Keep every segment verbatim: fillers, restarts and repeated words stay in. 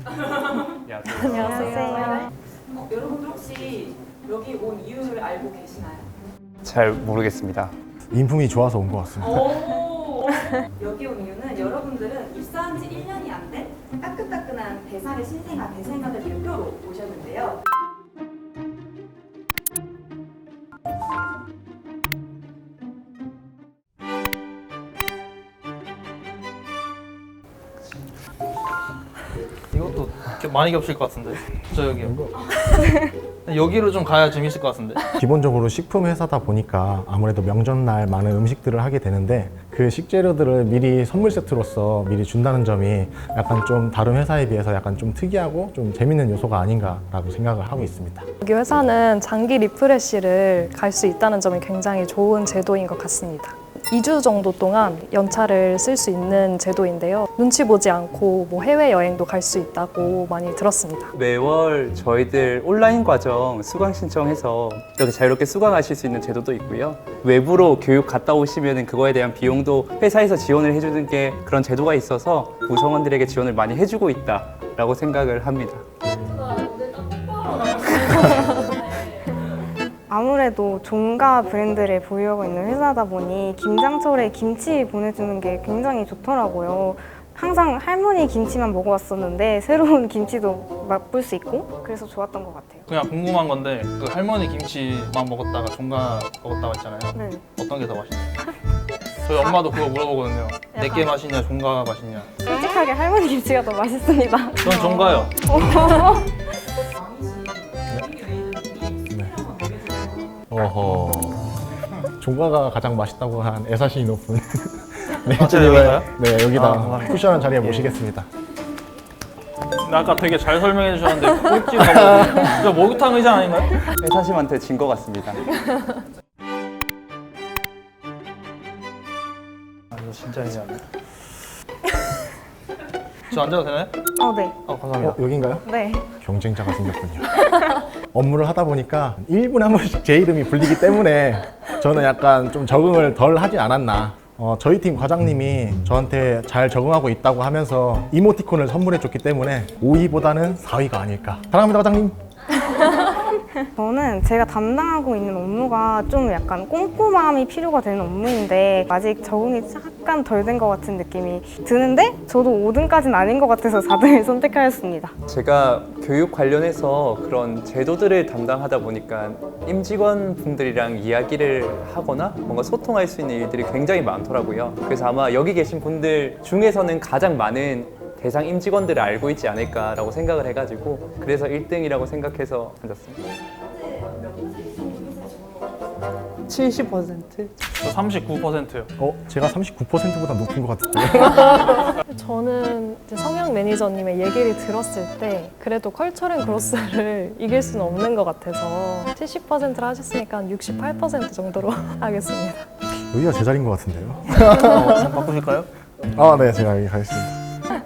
안녕하세요. 안녕하세요. 어, 여러분들 혹시 여기 온 이유를 알고 계시나요? 잘 모르겠습니다. 인품이 좋아서 온 것 같습니다. 오! 여기 온 이유는 여러분들은 입사한 지 일 년이 안 된 따끈따끈한 대상의 신생아 대생아들 대표로 오셨는데요. 이것도 많이 겹칠 것 같은데. 저 여기요. 여기로 좀 가야 재밌을 것 같은데. 기본적으로 식품 회사다 보니까 아무래도 명절날 많은 음식들을 하게 되는데 그 식재료들을 미리 선물 세트로서 미리 준다는 점이 약간 좀 다른 회사에 비해서 약간 좀 특이하고 좀 재밌는 요소가 아닌가라고 생각을 하고 있습니다. 여기 회사는 장기 리프레시를 갈 수 있다는 점이 굉장히 좋은 제도인 것 같습니다. 이 주 정도 동안 연차를 쓸 수 있는 제도인데요. 눈치 보지 않고 뭐 해외여행도 갈 수 있다고 많이 들었습니다. 매월 저희들 온라인 과정 수강 신청해서 이렇게 자유롭게 수강하실 수 있는 제도도 있고요. 외부로 교육 갔다 오시면 그거에 대한 비용도 회사에서 지원을 해주는 게 그런 제도가 있어서 구성원들에게 지원을 많이 해주고 있다라고 생각을 합니다. 아무래도 종가 브랜드를 보유하고 있는 회사다 보니 김장철에 김치 보내주는 게 굉장히 좋더라고요. 항상 할머니 김치만 먹어왔었는데 새로운 김치도 맛볼 수 있고 그래서 좋았던 것 같아요. 그냥 궁금한 건데 그 할머니 김치만 먹었다가 종가 먹었다고 했잖아요. 네. 어떤 게 더 맛있나요? 저희 엄마도 그거 물어보거든요. 내게 맛있냐, 종가가 맛있냐. 솔직하게 할머니 김치가 더 맛있습니다. 저는 종가요. 어허. 종가가 가장 맛있다고 한 애사심이 높은 네, 아, 제가 여기가요? 네, 여기다 아, 감사합니다. 쿠션한 자리에 모시겠습니다. 근데 아까 되게 잘 설명해 주셨는데 꼴찌가 저 목욕탕 의자 아닌가요? 회사심한테 진 것 같습니다. 아, 이거 진짜 이해하네. 저 앉아도 되나요? 어, 네. 아, 감사합니다. 어, 여긴가요? 네. 경쟁자가 생겼군요. 업무를 하다 보니까 일 분에 한 번씩 제 이름이 불리기 때문에 저는 약간 좀 적응을 덜 하진 않았나. 어, 저희 팀 과장님이 저한테 잘 적응하고 있다고 하면서 이모티콘을 선물해 줬기 때문에 오 위보다는 사 위가 아닐까. 사랑합니다, 과장님. 저는 제가 담당하고 있는 업무가 좀 약간 꼼꼼함이 필요가 되는 업무인데 아직 적응이 약간 덜 된 것 같은 느낌이 드는데 저도 오 등까지는 아닌 것 같아서 사 등을 선택하였습니다. 제가 교육 관련해서 그런 제도들을 담당하다 보니까 임직원 분들이랑 이야기를 하거나 뭔가 소통할 수 있는 일들이 굉장히 많더라고요. 그래서 아마 여기 계신 분들 중에서는 가장 많은 대상 임직원들을 알고 있지 않을까라고 생각을 해가지고 그래서 일 등이라고 생각해서 앉았습니다. 칠십 퍼센트? 저 삼십구 퍼센트요. 어, 제가 삼십구 퍼센트보다 높은 것 같은데. 저는 이제 성형 매니저님의 얘기를 들었을 때 그래도 컬처럴 그로스를 이길 수는 없는 것 같아서 칠십 퍼센트를 하셨으니까 한 육십팔 퍼센트 정도로 하겠습니다. 여기가 제 자리인 것 같은데요. 어, 좀 바꾸실까요? 아, 네, 제가 여기 가겠습니다.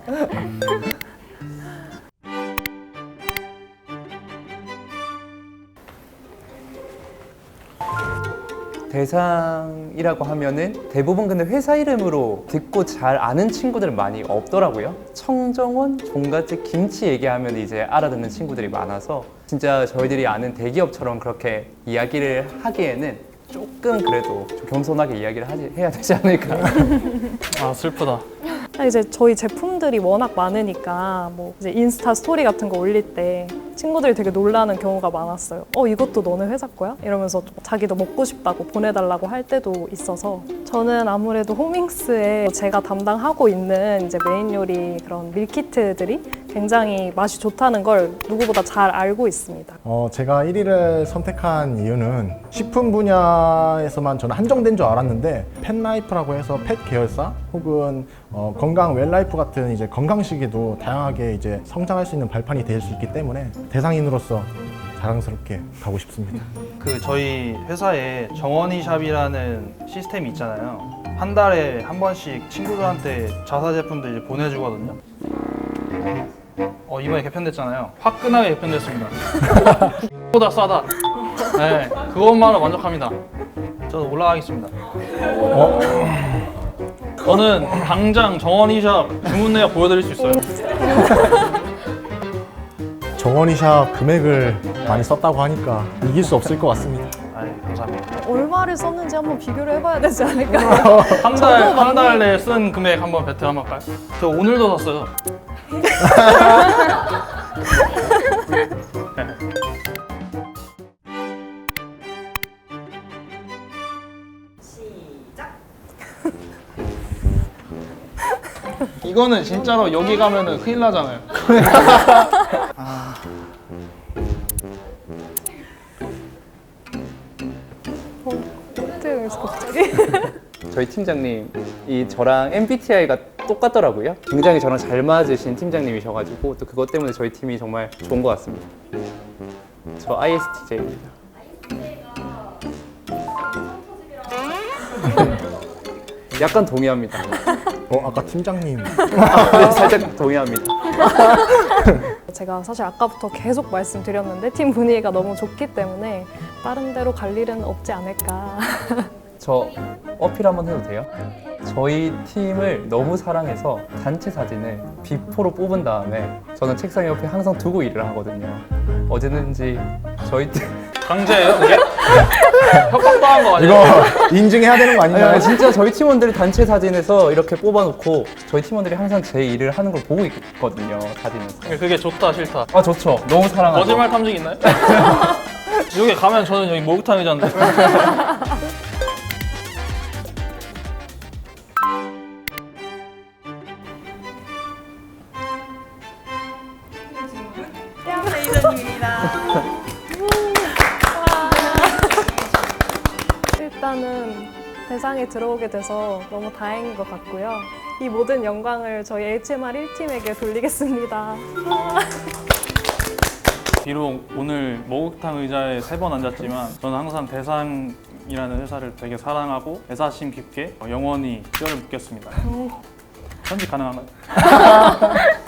대상이라고 하면은 대부분 근데 회사 이름으로 듣고 잘 아는 친구들은 많이 없더라고요. 청정원, 종갓집, 김치 얘기하면 이제 알아듣는 친구들이 많아서 진짜 저희들이 아는 대기업처럼 그렇게 이야기를 하기에는 조금 그래도 좀 겸손하게 이야기를 하지, 해야 되지 않을까. 아, 슬프다. 이제 저희 제품들이 워낙 많으니까 뭐 이제 인스타 스토리 같은 거 올릴 때 친구들이 되게 놀라는 경우가 많았어요. 어, 이것도 너네 회사 거야? 이러면서 자기도 먹고 싶다고 보내달라고 할 때도 있어서 저는 아무래도 호밍스에 제가 담당하고 있는 이제 메인 요리 그런 밀키트들이 굉장히 맛이 좋다는 걸 누구보다 잘 알고 있습니다. 어, 제가 일 위를 선택한 이유는 식품 분야에서만 저는 한정된 줄 알았는데 펫라이프라고 해서 펫 계열사 혹은 어, 건강 웰라이프 같은 이제 건강식에도 다양하게 이제 성장할 수 있는 발판이 될 수 있기 때문에 대상인으로서 자랑스럽게 가고 싶습니다. 그 저희 회사에 정원이샵이라는 시스템이 있잖아요. 한 달에 한 번씩 친구들한테 자사 제품들 이제 보내주거든요. 어, 이번에 개편됐잖아요. 화끈하게 개편됐습니다. 보다 싸다. 네, 그것만으로 만족합니다. 저도 올라가겠습니다. 어? 저는 당장 정원이샵 주문 내역 보여드릴 수 있어요. 정원이샵 금액을 많이 썼다고 하니까 이길 수 없을 것 같습니다. 아, 감사합니다. 얼마를 썼는지 한번 비교를 해봐야 되지 않을까요? 한 달 한 달 내에 쓴 금액 한번 배틀 한번 할까요? 저 오늘도 샀어요. 시작. 이거는 진짜로 여기 가면은 큰일 나잖아요. 어떻게 그래서 갑자기? 저희 팀장님 이 저랑 엠비티아이가 똑같더라고요. 굉장히 저랑 잘 맞으신 팀장님이셔가지고 또 그것 때문에 저희 팀이 정말 좋은 것 같습니다. 저 아이에스티제이입니다. 약간 동의합니다. 어, 아까 팀장님 네, 살짝 동의합니다. 제가 사실 아까부터 계속 말씀드렸는데 팀 분위기가 너무 좋기 때문에 다른 데로 갈 일은 없지 않을까. 저 어필 한번 해도 돼요? 저희 팀을 너무 사랑해서 단체 사진을 비포로 뽑은 다음에 저는 책상 옆에 항상 두고 일을 하거든요. 어제는지 저희 팀 강제예요, 그게? 협박당한 거 아니에요? 이거 인증해야 되는 거 아닌가요? 아니, 진짜 저희 팀원들이 단체 사진에서 이렇게 뽑아놓고 저희 팀원들이 항상 제 일을 하는 걸 보고 있거든요, 사진에서. 그게 좋다 싫다. 아 좋죠. 너무 사랑하죠. 거짓말 탐지 있나요? 여기 가면 저는 여기 목욕탕 의자인데. 태양 레이저님입니다. 일단은 대상에 들어오게 돼서 너무 다행인 것 같고요. 이 모든 영광을 저희 에이치엠알 일 팀에게 돌리겠습니다. 비록 오늘 목욕탕 의자에 세 번 앉았지만 저는 항상 대상이라는 회사를 되게 사랑하고 애사심 깊게 영원히 뼈를 묻겠습니다. 편집 가능한가요?